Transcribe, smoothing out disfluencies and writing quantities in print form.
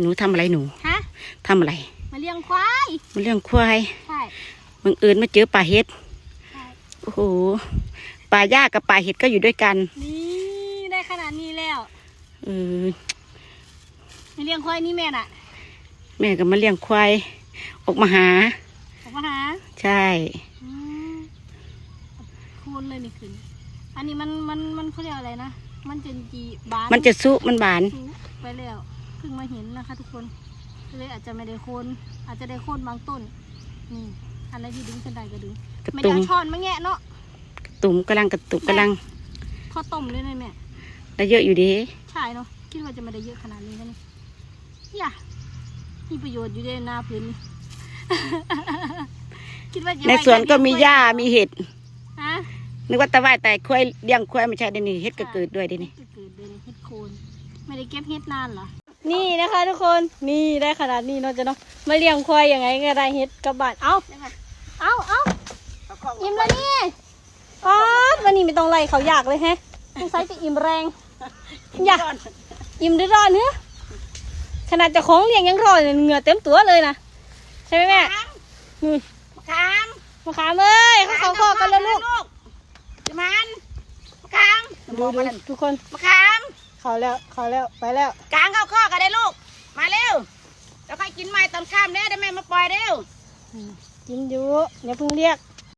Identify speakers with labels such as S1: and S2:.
S1: หนูทำอะไรหนู
S2: ฮะ
S1: ทำอะไร
S2: มาเลี้ยงควาย
S1: มาเลี้ยงควาย
S2: ใช่
S1: บังเอิญมาเจอป่าเห็ด
S2: ใช่
S1: โอ้โหป่าหญ้ากับป่าเห็ดก็อยู่ด้วยกัน
S2: นี่ได้ขนาดนี้แล้ว
S1: เออ
S2: มาเลี้ยงควายนี่แม่น่ะ
S1: แม่ก็มาเลี้ยงควายออกมาหาใช่
S2: คูณเลยนี่ขึ้นอันนี้มันเขาเรียกอะไรนะมันจะจีบาน
S1: มันจะซุมันบาน
S2: ไปแล้วเพิ่งมาเห็นนะคะทุกคนเลยอาจจะไม่ได้โคนอาจจะได้โคนบางต้นนี่อันไหนที่ดึงขึ้นได้ก็ดึงไม่ได้ช้อนมาแงะเนาะ
S1: กระตุ่มกำลัง
S2: ทอดต้มเลยนะแม่
S1: ได้เยอะอยู่ดี
S2: ใช่เนาะคิดว่าจะไม่ได้เยอะขนาดนี้กันนี่มีประโยชน์อยู่ในนาพื้นคิดว่า
S1: ในสวนก็มีหญ้ามีเห็ด
S2: ฮะ
S1: นึกว่าตะไคร้แต่ควายเลี้ยงควายไม่ใช่เดี๋ยวนี้เห็ดก็เกิดด้วยเดี๋ยวนี้
S2: เกิดเลยเห็ดโคนไม่ได้เก็บเห็ดนานเหรอนี่นะคะทุกคนนี่ได้ขนาดนี้เนาะจะเนาะมาเลี้ยงควายยังไงก็ได้เห็ดกับบาดเอาอิ่มแล้วนี่ป๊อดวันนี้ไม่ต้องไล่เขาอยากเลยแฮะต้องใช้จะอิ่มแรงอยากอิ่มได้ร้อนเนื้อขนาดจะของเลี้ยงยังร้อนเหงื่อเต็มตัวเลยนะใช่ไหมแม่นี่มะขามเอ้ยเขาคอกันแล้วลูกจะมันมะขามดูทุกคนมะขามเขาแล้วไปแล้ว
S3: กลางเข้าข้อกันได้ลูกมาเร็วแล้วค่อยกินไม้ตอนข้ามเด้อได้แม่มาปล่อยเร็ว
S2: กินอยู่อย่าเพิ่งเรียก